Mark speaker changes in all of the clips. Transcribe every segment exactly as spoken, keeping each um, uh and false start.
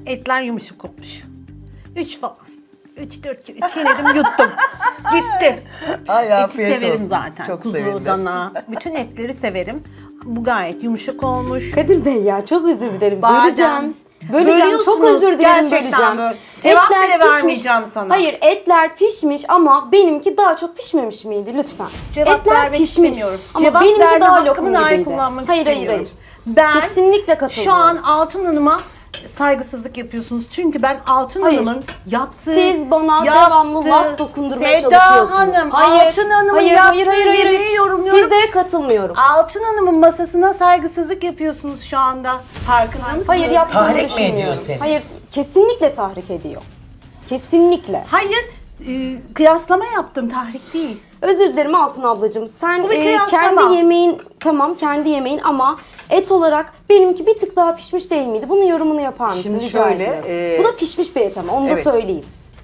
Speaker 1: Etler yumuşak olmuş. Üç falan. Üç, dört kere çiğnedim, yuttum. Gitti.
Speaker 2: Ay,
Speaker 1: Eti
Speaker 2: afiyet
Speaker 1: severim
Speaker 2: olsun.
Speaker 1: zaten.
Speaker 2: Çok
Speaker 1: Kuzu,
Speaker 2: sevindim.
Speaker 1: dana, bütün etleri severim. Bu gayet yumuşak olmuş.
Speaker 3: Kadir Bey ya çok özür dilerim.
Speaker 1: Badem.
Speaker 3: Böleceğim. Böleceğim. Çok
Speaker 1: Bölüyorsunuz,
Speaker 3: özür dilerim
Speaker 1: gerçekten
Speaker 3: böleceğim.
Speaker 1: böyle. Cevap
Speaker 3: Etler
Speaker 1: bile
Speaker 3: pişmiş.
Speaker 1: vermeyeceğim sana.
Speaker 3: Hayır etler pişmiş ama benimki daha çok pişmemiş miydi lütfen?
Speaker 1: Cevap
Speaker 3: etler
Speaker 1: vermek
Speaker 3: pişmiş
Speaker 1: istemiyorum.
Speaker 3: ama
Speaker 1: Cevap
Speaker 3: benimki
Speaker 1: verme
Speaker 3: daha
Speaker 1: hakkımı
Speaker 3: lokum
Speaker 1: dahi
Speaker 3: gibiydi.
Speaker 1: kullanmak
Speaker 3: Hayır hayır
Speaker 1: istemiyorum.
Speaker 3: hayır.
Speaker 1: Ben
Speaker 3: Kesinlikle katılıyorum.
Speaker 1: şu an Altın Hanım'a saygısızlık yapıyorsunuz. Çünkü ben Altın
Speaker 3: Hayır.
Speaker 1: Hanım'ın yaptığı...
Speaker 3: Siz bana
Speaker 1: yaptığı-
Speaker 3: devamlı laf dokundurmaya
Speaker 1: Seda
Speaker 3: çalışıyorsunuz.
Speaker 1: Hanım,
Speaker 3: Hayır,
Speaker 1: Altın Hanım'ın
Speaker 3: hayır,
Speaker 1: yaptığı
Speaker 3: hayır, hayır, hayır,
Speaker 1: yemeği
Speaker 3: hayır.
Speaker 1: yorumluyorum.
Speaker 3: Size katılmıyorum.
Speaker 1: Altın Hanım'ın masasına saygısızlık yapıyorsunuz şu anda. Farkında mısınız?
Speaker 3: Hayır yaptığımı
Speaker 4: Tahrik mi ediyor
Speaker 3: düşünmüyorum.
Speaker 4: seni?
Speaker 3: Hayır kesinlikle tahrik ediyor. Kesinlikle.
Speaker 1: Hayır, e, kıyaslama yaptım, tahrik değil.
Speaker 3: Özür dilerim Altın ablacığım. Sen
Speaker 1: Bu bir
Speaker 3: e,
Speaker 1: kıyaslama.
Speaker 3: kendi yemeğin tamam kendi yemeğin ama et olarak benimki bir tık daha pişmiş değil miydi? Bunun yorumunu yapar mısın?
Speaker 2: Şimdi
Speaker 3: Rica
Speaker 2: şöyle,
Speaker 3: ediyorum.
Speaker 2: e,
Speaker 3: Bu da pişmiş bir et ama onu
Speaker 2: evet.
Speaker 3: da söyleyeyim.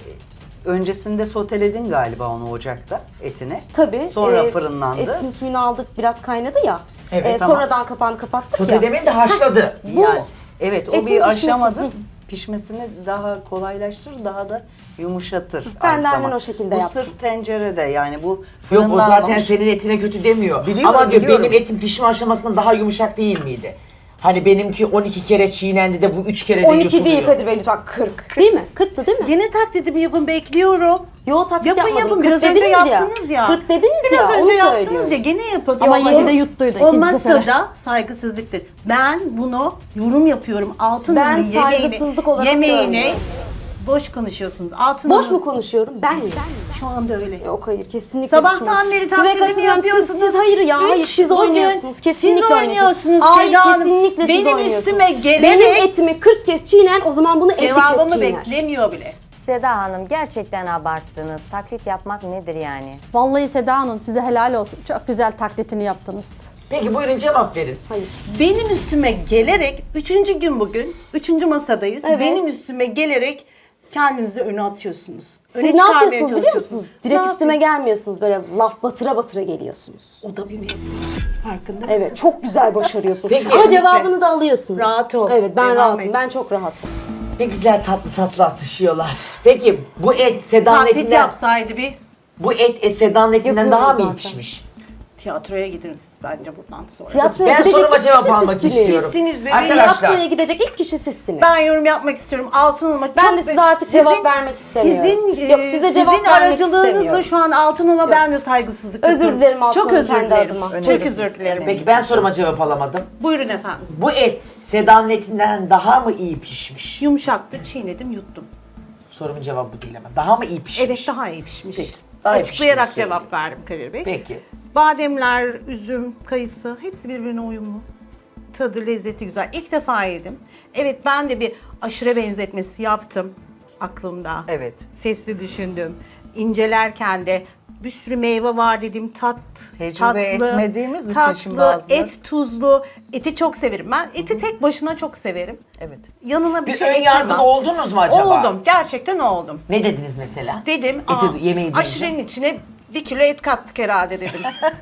Speaker 2: Öncesinde soteledin galiba onu ocakta, etini.
Speaker 3: Tabii.
Speaker 2: Sonra
Speaker 3: e,
Speaker 2: fırınlandı.
Speaker 3: Etin suyunu aldık biraz kaynadı ya.
Speaker 4: Evet,
Speaker 3: E,
Speaker 4: tamam.
Speaker 3: Sonradan kapağını kapattık
Speaker 4: Sote
Speaker 3: ya.
Speaker 4: demeyeyim de haşladı.
Speaker 3: Bu
Speaker 2: Yani, evet o
Speaker 3: etin
Speaker 2: bir
Speaker 3: pişmesi.
Speaker 2: aşamada
Speaker 3: Hı.
Speaker 2: pişmesini daha kolaylaştırır, daha da yumuşatır.
Speaker 3: Ben
Speaker 2: aynı
Speaker 3: de aynen
Speaker 2: zamanda.
Speaker 3: o şekilde
Speaker 2: bu
Speaker 3: yaptım.
Speaker 2: sırf tencerede yani bu
Speaker 4: Yok o
Speaker 2: fırınlanmamış.
Speaker 4: zaten senin etine kötü demiyor.
Speaker 2: Biliyorum,
Speaker 4: Ama diyor
Speaker 2: biliyorum.
Speaker 4: benim etim pişme aşamasında daha yumuşak değil miydi? Hani benimki on iki kere çiğnendi de bu üç kere de
Speaker 3: on iki
Speaker 4: yutuluyor.
Speaker 3: değil Kadir Bey lütfen kırk. Değil mi? kırktı değil mi?
Speaker 1: Gene taklidimi yapın, bekliyorum.
Speaker 3: Yo taklit
Speaker 1: Yapın
Speaker 3: yapmadım.
Speaker 1: yapın,
Speaker 3: kırk
Speaker 1: biraz önce
Speaker 3: dediniz
Speaker 1: yaptınız ya.
Speaker 3: kırk dediniz
Speaker 1: Biraz
Speaker 3: ya
Speaker 1: önce
Speaker 3: onu
Speaker 1: yaptınız
Speaker 3: söylüyorum.
Speaker 1: ya, gene yapın.
Speaker 5: Ama
Speaker 1: Yok,
Speaker 5: yedi de
Speaker 1: o-
Speaker 5: yuttuydu
Speaker 1: O
Speaker 5: ikinci sefere.
Speaker 1: masada saygısızlıktır. Ben bunu yorum yapıyorum. Altın
Speaker 3: Ben
Speaker 1: Hanım'ın yemeğini,
Speaker 3: saygısızlık olarak
Speaker 1: yemeğini
Speaker 3: görmüyorum.
Speaker 1: boş konuşuyorsunuz. Altın
Speaker 3: Boş
Speaker 1: Hanım-
Speaker 3: mu konuşuyorum? Ben mi?
Speaker 1: Şu anda öyle.
Speaker 3: Yok hayır kesinlikle
Speaker 1: Sabahtan
Speaker 3: düşünmüyorum.
Speaker 1: beri
Speaker 3: Size
Speaker 1: taklidimi
Speaker 3: katılıyorum.
Speaker 1: yapıyorsunuz.
Speaker 3: Siz, siz hayır ya
Speaker 1: Üç,
Speaker 3: hayır siz
Speaker 1: bugün
Speaker 3: oynuyorsunuz. Kesinlikle
Speaker 1: siz oynuyorsunuz
Speaker 3: Hayır
Speaker 1: Seda Hanım.
Speaker 3: kesinlikle siz
Speaker 1: Benim
Speaker 3: oynuyorsunuz.
Speaker 1: üstüme gelerek-
Speaker 3: Benim etimi kırk kez çiğnen o zaman bunu elli kez
Speaker 1: Cevabımı
Speaker 3: çiğner.
Speaker 1: beklemiyor bile.
Speaker 6: Seda Hanım gerçekten abarttınız. Taklit yapmak nedir yani?
Speaker 5: Vallahi Seda Hanım size helal olsun. Çok güzel taklitini yaptınız.
Speaker 4: Peki buyurun cevap verin.
Speaker 3: Hayır.
Speaker 1: Benim üstüme gelerek, üçüncü gün bugün, üçüncü masadayız.
Speaker 3: Evet.
Speaker 1: Benim üstüme gelerek kendinizi öne atıyorsunuz.
Speaker 3: Siz
Speaker 1: öne
Speaker 3: ne
Speaker 1: çıkarmaya
Speaker 3: yapıyorsunuz biliyor
Speaker 1: çalışıyorsunuz.
Speaker 3: musunuz? Direkt
Speaker 1: Ne
Speaker 3: üstüme
Speaker 1: yapayım?
Speaker 3: gelmiyorsunuz böyle laf batıra batıra geliyorsunuz.
Speaker 1: O da bir mevzu. Farkında mısın?
Speaker 3: Evet çok güzel başarıyorsunuz.
Speaker 4: Peki.
Speaker 3: Ama cevabını da alıyorsunuz.
Speaker 1: Rahat ol.
Speaker 3: Evet ben
Speaker 1: Devam
Speaker 3: rahatım.
Speaker 1: et.
Speaker 3: Ben çok rahatım.
Speaker 4: Ne güzel tatlı tatlı atışıyorlar. Peki bu et Seda'nın
Speaker 1: Taklit
Speaker 4: etinden,
Speaker 1: yapsaydı bir
Speaker 4: bu et, et Seda'nın etinden
Speaker 3: Yapıyorum
Speaker 4: daha mı iyi
Speaker 3: zaten.
Speaker 4: pişmiş?
Speaker 1: tiyatroya gidin siz bence bundan sonra.
Speaker 3: Tiyatroya
Speaker 4: Ben
Speaker 3: gidecek
Speaker 4: soruma
Speaker 3: ilk
Speaker 4: cevap
Speaker 3: kişi
Speaker 4: almak
Speaker 3: sizsiniz.
Speaker 4: istiyorum.
Speaker 1: Sizsiniz bebeğim.
Speaker 4: Arkadaşlar
Speaker 3: Tiyatroya gidecek ilk kişi sizsiniz.
Speaker 1: Ben yorum yapmak istiyorum. Altın Hanım'a
Speaker 3: Ben
Speaker 1: çok...
Speaker 3: de size artık cevap vermek istemiyorum.
Speaker 1: Sizin,
Speaker 3: Yok,
Speaker 1: e,
Speaker 3: size cevap
Speaker 1: sizin
Speaker 3: vermek
Speaker 1: aracılığınızla
Speaker 3: istemiyorum.
Speaker 1: şu an Altın Hanım'a ben de saygısızlık
Speaker 3: Özür
Speaker 1: yapıyorum.
Speaker 3: dilerim Altın
Speaker 1: Çok
Speaker 3: Hanım,
Speaker 1: özür
Speaker 3: kendi
Speaker 1: dilerim.
Speaker 3: adıma.
Speaker 1: Çok özür dilerim.
Speaker 4: peki ben soruma cevap alamadım.
Speaker 1: Buyurun efendim.
Speaker 4: Bu et Seda'nın etinden daha mı iyi pişmiş?
Speaker 1: Yumuşaktı, çiğnedim, yuttum.
Speaker 4: Sorumun cevabı bu değil ama. Daha mı iyi pişmiş?
Speaker 1: Evet, daha iyi pişmiş.
Speaker 4: Peki, daha iyi
Speaker 1: Açıklayarak
Speaker 4: piştiğini
Speaker 1: cevap verdim Kadir Bey.
Speaker 4: Peki.
Speaker 1: Bademler, üzüm, kayısı hepsi birbirine uyumlu. Tadı, lezzeti güzel. İlk defa yedim. Evet, ben de bir aşure benzetmesi yaptım aklımda.
Speaker 2: Evet.
Speaker 1: Sesli düşündüm. İncelerken de bir sürü meyve var dedim. Tat,
Speaker 2: Tecrübe
Speaker 1: tatlı,
Speaker 2: etmediğimiz için
Speaker 1: tatlı,
Speaker 2: şimdi bazıları-
Speaker 1: et tuzlu. Eti çok severim ben. Eti tek başına çok severim.
Speaker 2: Evet.
Speaker 1: Yanına bir,
Speaker 4: Bir
Speaker 1: şey
Speaker 4: ön
Speaker 1: eklemem.
Speaker 4: yargılı oldunuz mu acaba?
Speaker 1: Oldum. Gerçekten oldum.
Speaker 4: Ne dediniz mesela?
Speaker 1: Dedim,
Speaker 4: Eti,
Speaker 1: aa,
Speaker 4: yemeği deyince.
Speaker 1: aşurenin içine bir kilo et kattık herhalde dedim.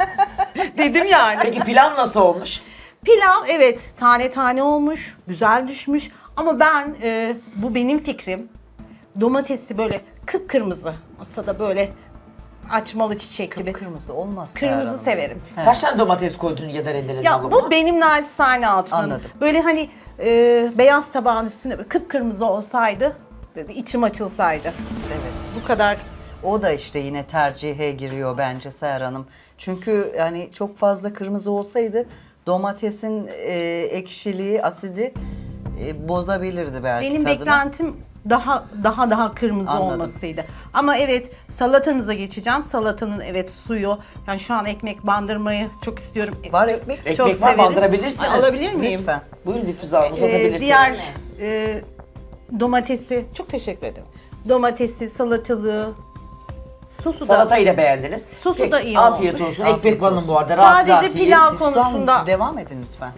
Speaker 1: dedim yani.
Speaker 4: Peki pilav nasıl olmuş?
Speaker 1: Pilav evet tane tane olmuş, güzel düşmüş. Ama ben, e, bu benim fikrim, domatesi böyle kıpkırmızı, masada böyle açmalı çiçek gibi.
Speaker 2: Kırmızı olmaz.
Speaker 1: Kırmızı
Speaker 2: Serhan.
Speaker 1: severim.
Speaker 4: Kaç tane domates koydun ya da rendeledin
Speaker 1: Ya
Speaker 4: dolabına?
Speaker 1: bu benim naçizane altından.
Speaker 2: Anladım.
Speaker 1: Böyle hani e, beyaz tabağın üstüne böyle kıpkırmızı olsaydı, böyle bir içim açılsaydı.
Speaker 2: Evet.
Speaker 1: Bu kadar.
Speaker 2: O da işte yine tercihe giriyor bence Seher Hanım. Çünkü yani çok fazla kırmızı olsaydı domatesin e, ekşiliği, asidi e, bozabilirdi belki
Speaker 1: Benim
Speaker 2: tadını.
Speaker 1: beklentim daha daha daha kırmızı
Speaker 2: Anladım.
Speaker 1: olmasıydı. Ama evet, salatanıza geçeceğim. Salatanın evet suyu. Yani şu an ekmek bandırmayı çok istiyorum.
Speaker 2: Var
Speaker 1: Çok-
Speaker 2: ekmek.
Speaker 4: Ekmek
Speaker 1: çok
Speaker 4: var,
Speaker 1: severim.
Speaker 4: bandırabilirsiniz.
Speaker 1: Ay, alabilir miyim?
Speaker 2: Lütfen.
Speaker 4: Buyurun Difüze Hanım
Speaker 1: Ee,
Speaker 4: uzatabilirsiniz.
Speaker 1: diğer e, domatesi, çok teşekkür ederim. Domatesi, salatalığı, sosu da.
Speaker 4: Salatayı da beğendiniz.
Speaker 1: Sosu
Speaker 4: Peki,
Speaker 1: da iyi
Speaker 4: afiyet
Speaker 1: olmuş.
Speaker 4: olsun.
Speaker 2: Afiyet
Speaker 4: Ekmek banın
Speaker 2: olsun.
Speaker 4: bu arada. Rahat
Speaker 1: Sadece
Speaker 4: rahat yiyin.
Speaker 1: pilav
Speaker 2: Lütfen
Speaker 1: konusunda
Speaker 2: devam edin lütfen.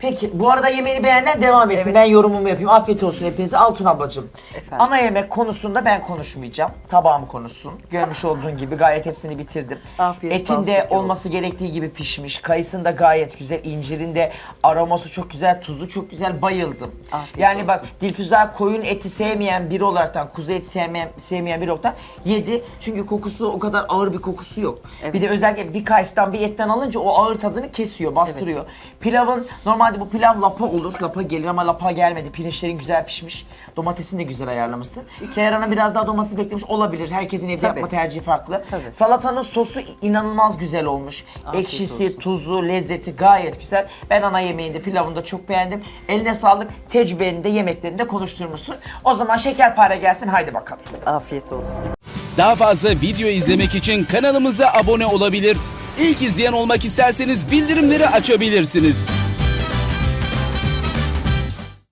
Speaker 4: Peki bu arada yemeğini beğenenler devam etsin.
Speaker 2: Evet.
Speaker 4: Ben yorumumu yapayım. Afiyet olsun hepinize. Altun ablacığım.
Speaker 2: Efendim?
Speaker 4: Ana yemek konusunda ben konuşmayacağım. Tabağım konuşsun. Görmüş olduğun gibi gayet hepsini bitirdim.
Speaker 2: Afiyet, bal
Speaker 4: Etin de
Speaker 2: şeker
Speaker 4: olması gerektiği gibi pişmiş. Kayısın da gayet güzel. İncirin de aroması çok güzel. Tuzu çok güzel. Bayıldım.
Speaker 2: Afiyet
Speaker 4: yani bak
Speaker 2: olsun.
Speaker 4: Dilfüza koyun eti sevmeyen biri olaraktan, kuzu eti sevmeyen, sevmeyen biri olaraktan yedi. Çünkü kokusu o kadar ağır bir kokusu yok.
Speaker 2: Evet.
Speaker 4: Bir de özellikle bir kayısıdan bir etten alınca o ağır tadını kesiyor, bastırıyor. Pilavın normalde bu pilav lapa olur. Lapa gelir ama lapa gelmedi. Pirinçlerin güzel pişmiş. Domatesini de güzel ayarlamışsın. Seher Hanım biraz daha domates beklemiş olabilir. Herkesin evde
Speaker 2: Tabii.
Speaker 4: yapma tercihi farklı.
Speaker 2: Tabii.
Speaker 4: Salatanın sosu inanılmaz güzel olmuş.
Speaker 2: Afiyet
Speaker 4: Ekşisi,
Speaker 2: olsun.
Speaker 4: tuzu, lezzeti gayet güzel. Ben ana yemeğinde, pilavını da çok beğendim. Eline sağlık. Tecrübeni de yemeklerini de konuşturmuşsun. O zaman şekerpare gelsin. Haydi bakalım.
Speaker 2: Afiyet olsun.
Speaker 7: Daha fazla video izlemek için kanalımıza abone olabilir. İlk izleyen olmak isterseniz bildirimleri açabilirsiniz.